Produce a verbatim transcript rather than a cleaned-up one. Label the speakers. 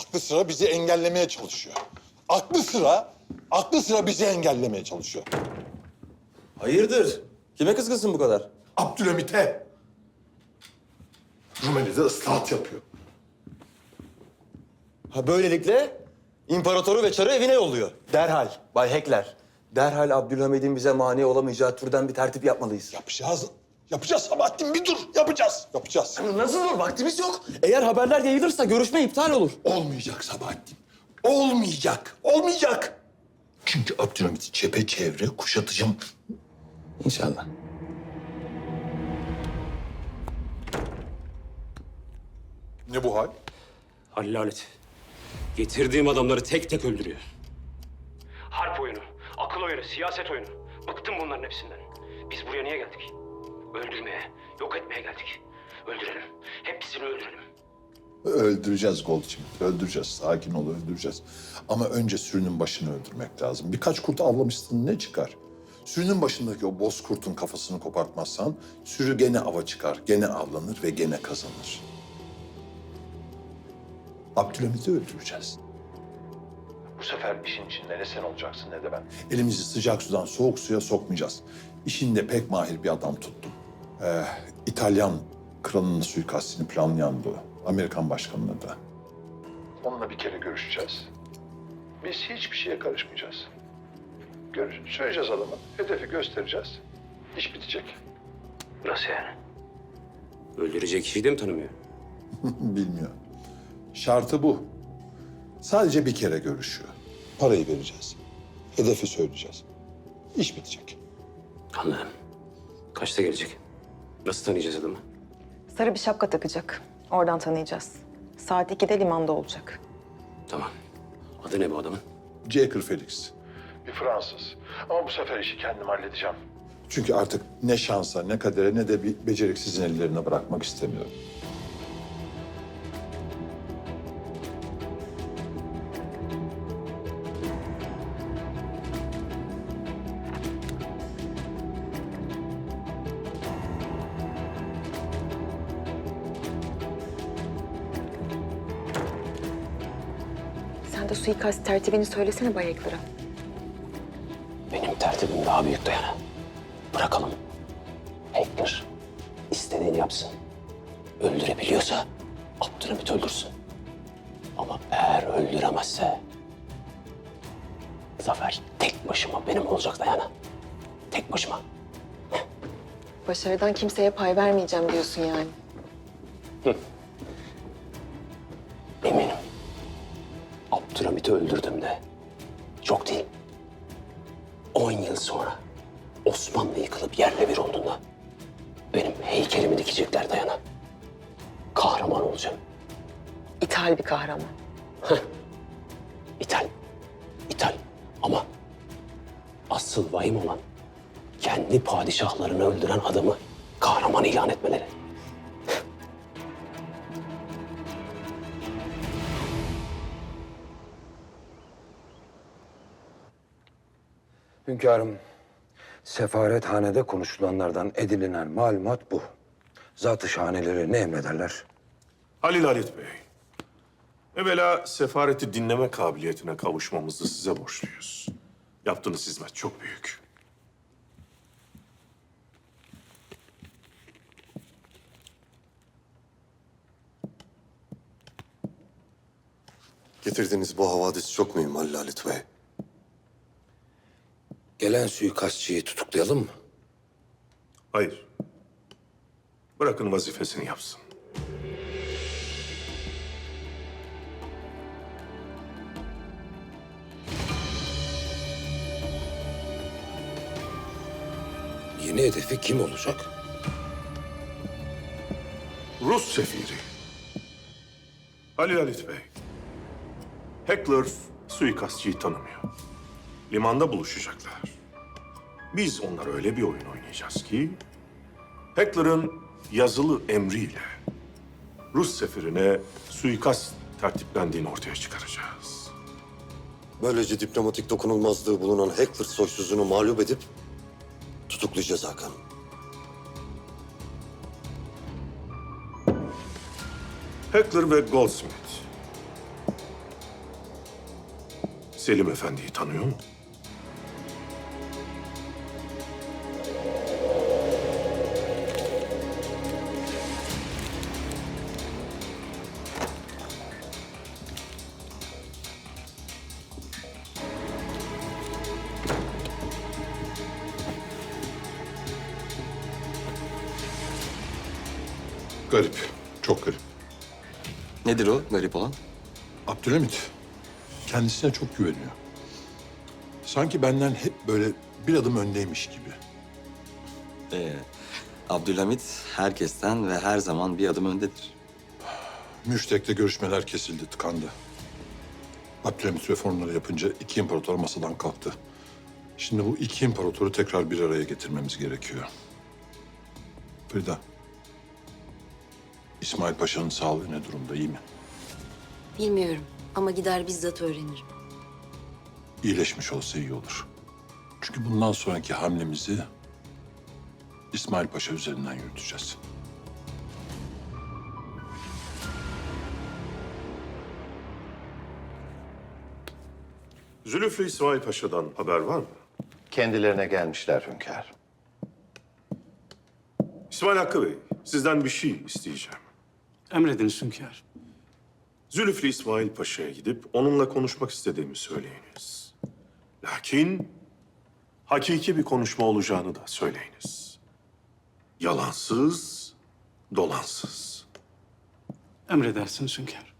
Speaker 1: Aklı sıra bizi engellemeye çalışıyor. Aklı sıra, aklı sıra bizi engellemeye çalışıyor.
Speaker 2: Hayırdır? Kime kızgınsın bu kadar?
Speaker 1: Abdülhamit'e. Rumeli'de ıslahat yapıyor.
Speaker 2: Ha böylelikle imparatoru ve çarı evine yolluyor. Derhal Bay Heckler. Derhal Abdülhamid'in bize mani olamayacağı türden bir tertip yapmalıyız.
Speaker 1: Yapacağız. Yapacağız Sabahattin, bir dur. Yapacağız. Yapacağız.
Speaker 2: Nasıl olur? Vaktimiz yok. Eğer haberler yayılırsa görüşme iptal olur.
Speaker 1: Olmayacak Sabahattin. Olmayacak. Olmayacak. Çünkü Abdülhamit'i çepeçevre kuşatacağım.
Speaker 2: İnşallah.
Speaker 1: Ne bu hal?
Speaker 3: Hallalet. Getirdiğim adamları tek tek öldürüyor. Harp oyunu, akıl oyunu, siyaset oyunu. Bıktım bunların hepsinden. Biz buraya niye geldik? Öldürmeye, yok etmeye geldik. Öldürelim. Hepsini öldürelim.
Speaker 1: Öldüreceğiz Goldschmidt, öldüreceğiz. Sakin ol, öldüreceğiz. Ama önce sürünün başını öldürmek lazım. Birkaç kurt avlamışsın, ne çıkar? Sürünün başındaki o bozkurtun kafasını kopartmazsan sürü gene ava çıkar, gene avlanır ve gene kazanır. Abdülhamit'i öldüreceğiz. Bu sefer işin içinde ne sen olacaksın ne de ben. Elimizi sıcak sudan soğuk suya sokmayacağız. İşinde pek mahir bir adam tuttum. Ee, İtalyan kralının suikastini planlayan bu. Amerikan başkanına da. Onunla bir kere görüşeceğiz. Biz hiçbir şeye karışmayacağız. Görüş, söyleyeceğiz adama, hedefi göstereceğiz. İş bitecek.
Speaker 3: Nasıl yani? Öldürecek kişiyi de mi tanımıyor?
Speaker 1: Bilmiyor. Şartı bu. Sadece bir kere görüşüyor. Parayı vereceğiz. Hedefi söyleyeceğiz. İş bitecek.
Speaker 3: Anladım. Kaçta gelecek? Nasıl tanıyacağız adamı?
Speaker 4: Sarı bir şapka takacak. Oradan tanıyacağız. Saat ikide limanda olacak.
Speaker 3: Tamam. Adı ne bu adamın?
Speaker 1: Jaker Felix. Bir Fransız. Ama bu sefer işi kendim halledeceğim. Çünkü artık ne şansa, ne kadere, ne de bir beceriksizin ellerine bırakmak istemiyorum.
Speaker 4: Sen de suikast tertibini söylesene Bay Heckler'a.
Speaker 3: Benim tertibim daha büyük Dayana. Bırakalım. Heckler istediğini yapsın. Öldürebiliyorsa Abdülhamit öldürsün. Ama eğer öldüremezse zafer tek başıma benim olacak Dayana. Tek başıma.
Speaker 4: Başarıdan kimseye pay vermeyeceğim diyorsun yani.
Speaker 3: Eminim. Abdülhamit'i öldürdüğümde çok değil. On yıl sonra Osmanlı yıkılıp yerle bir olduğunda benim heykelimi dikecekler Dayana. Kahraman olacağım.
Speaker 4: İthal bir kahraman.
Speaker 3: İthal. İthal. Ama asıl vahim olan kendi padişahlarını öldüren adamı kahraman ilan etmeleri.
Speaker 5: Hünkârım, sefarethanede konuşulanlardan edinilen malumat bu. Zat-ı şahaneleri ne emrederler?
Speaker 6: Halil Halit Bey, evvela sefareti dinleme kabiliyetine kavuşmamızı size borçluyuz. Yaptığınız hizmet çok büyük.
Speaker 7: Getirdiğiniz bu havadis çok mühim Halil Halit Bey.
Speaker 5: Gelen suikastçıyı tutuklayalım mı?
Speaker 6: Hayır. Bırakın vazifesini yapsın.
Speaker 5: Yeni hedefi kim olacak?
Speaker 6: Rus sefiri. Halil Halit Bey. Heckler suikastçıyı tanımıyor. Limanda buluşacaklar. Biz onlara öyle bir oyun oynayacağız ki Heckler'ın yazılı emriyle Rus sefirine suikast tertiplendiğini ortaya çıkaracağız.
Speaker 7: Böylece diplomatik dokunulmazlığı bulunan Heckler soysuzunu mağlup edip tutuklayacağız Hakan.
Speaker 6: Heckler ve Goldsmith Selim Efendi'yi tanıyor mu?
Speaker 1: Garip, çok garip.
Speaker 2: Nedir o garip olan?
Speaker 1: Abdülhamit kendisine çok güveniyor. Sanki benden hep böyle bir adım öndeymiş gibi.
Speaker 2: Ee, Abdülhamit herkesten ve her zaman bir adım öndedir.
Speaker 1: Müştek'le görüşmeler kesildi, tıkandı. Abdülhamit reformları yapınca iki imparator masadan kalktı. Şimdi bu iki imparatoru tekrar bir araya getirmemiz gerekiyor. Frida, İsmail Paşa'nın sağlığı ne durumda, iyi mi?
Speaker 8: Bilmiyorum ama gider bizzat öğrenirim.
Speaker 1: İyileşmiş olsa iyi olur. Çünkü bundan sonraki hamlemizi İsmail Paşa üzerinden yürüteceğiz.
Speaker 6: Zülüflü İsmail Paşa'dan haber var mı?
Speaker 9: Kendilerine gelmişler hünkâr.
Speaker 6: İsmail Hakkı Bey, sizden bir şey isteyeceğim.
Speaker 10: Emrediniz hünkâr.
Speaker 6: Zülüflü İsmail Paşa'ya gidip onunla konuşmak istediğimi söyleyiniz. Lakin hakiki bir konuşma olacağını da söyleyiniz. Yalansız, dolansız.
Speaker 10: Emredersiniz hünkâr.